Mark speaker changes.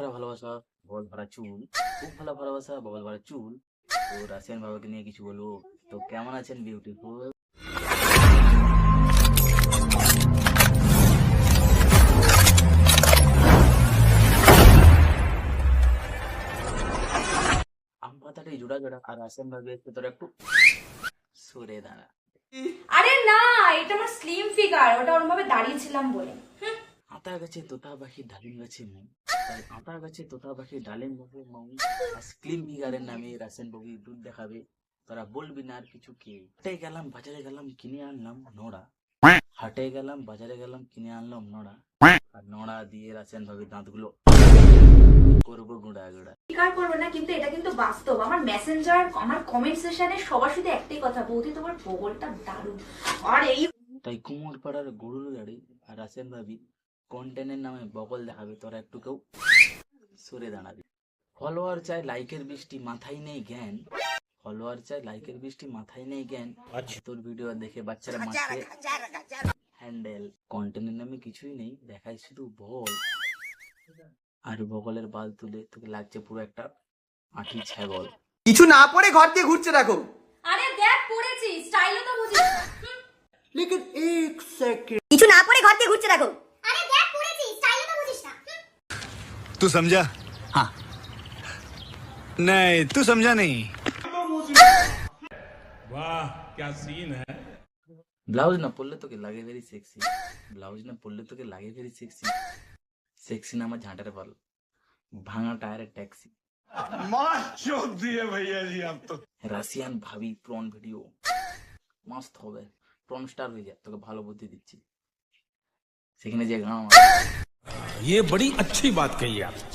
Speaker 1: ভরা ভালোবাসা, বল ভরা চুল, খুব ভালো ভালোবাসা, বল ভরা চুল। তো রাশিয়ান বাবাকে নিয়ে কিছু বলবো। তো কেমন আছেন বিউটিফুল? আম পাতাটাই জোড়া জোড়া, আর রাশিয়ান ভাবে তোরা একটু সরে দাঁড়া।
Speaker 2: আরে না, এটা আমার স্লিম ফিগার, ওটা ওরকম ভাবে দাঁড়িয়েছিলাম বলে।
Speaker 1: আতা গাছে তোতা পাখি ডালিম গাছে মৌ, তাই আতা গাছে তোতা পাখি ডালিম গাছে মৌ। আর স্লিম ফিগারের নামে রাশিয়ান বগি দুধ দেখাবে, তোরা বলবি না আর কিছু। কে হাটে গেলাম বাজারে গেলাম কিনে আনলাম নোড়া, হাটে গেলাম বাজারে গেলাম কিনে আনলাম নোড়া, আর নোড়া দিয়ে রাশিয়ান ভাবে দাঁতগুলো করবো গুঁড়া গুঁড়া।
Speaker 2: স্বীকার করবো না, কিন্তু এটা কিন্তু বাস্তব। আমার মেসেঞ্জার, আমার কমেন্ট সেকশনে সবার সাথে একটাই কথা, বৌদি তোমার বগলটা দারুণ। আর এই
Speaker 1: তাই কুমোর পাড়ার গরুর গাড়ি আর রাশিয়ান ভাবি কন্টেন্টের নামে বগল দেখাবে, তোরা একটু কেউ সরে দাঁড়াবি। ফলোয়ার চাই লাইকের বৃষ্টি, মাথায় নেই জ্ঞান। ফলোয়ার চাই লাইকের বৃষ্টি, মাথায় নেই জ্ঞান। তোর ভিডিও দেখে বাচ্চারা মাঠে হ্যান্ডেল। কন্টেন্টের নামে কিছুই নেই, দেখাই শুধু বল আর বগলের বাল তুলে তোকে লাগছে পুরো একটা আঠি ছাগল।
Speaker 3: কিছু না পরে ঘর দিয়ে ঘুরছে দেখো।
Speaker 2: আরে দেখ পড়েছি, স্টাইলও তো বুঝিস না।
Speaker 3: লেকিন এক সেকেন্ড,
Speaker 4: কিছু না পরে ঘর দিয়ে ঘুরছে দেখো।
Speaker 5: अरे देख पूरे स्टाइल तो बुझिस ना
Speaker 6: तू समझा? हाँ नहीं, तू समझा नहीं।
Speaker 7: वाह क्या सीन है।
Speaker 1: ব্লাউজ না পরলে তোকে লাগে ভেরি সেক্সি, ব্লাউজ না পরলে তোকে লাগে ভেরি সেক্সি। সেক্সি না আমার ঝাঁটারে পাল, ভাঙা টায়ারের ট্যাক্সি। রাশিয়ান ভাবি প্রন ভিডিও মাস্ত হবে, প্রন স্টার হয়ে যায়। তোকে ভালো বুদ্ধি দিচ্ছি, সেখানে যে গান
Speaker 7: ये बड़ी अच्छी बात कही आप।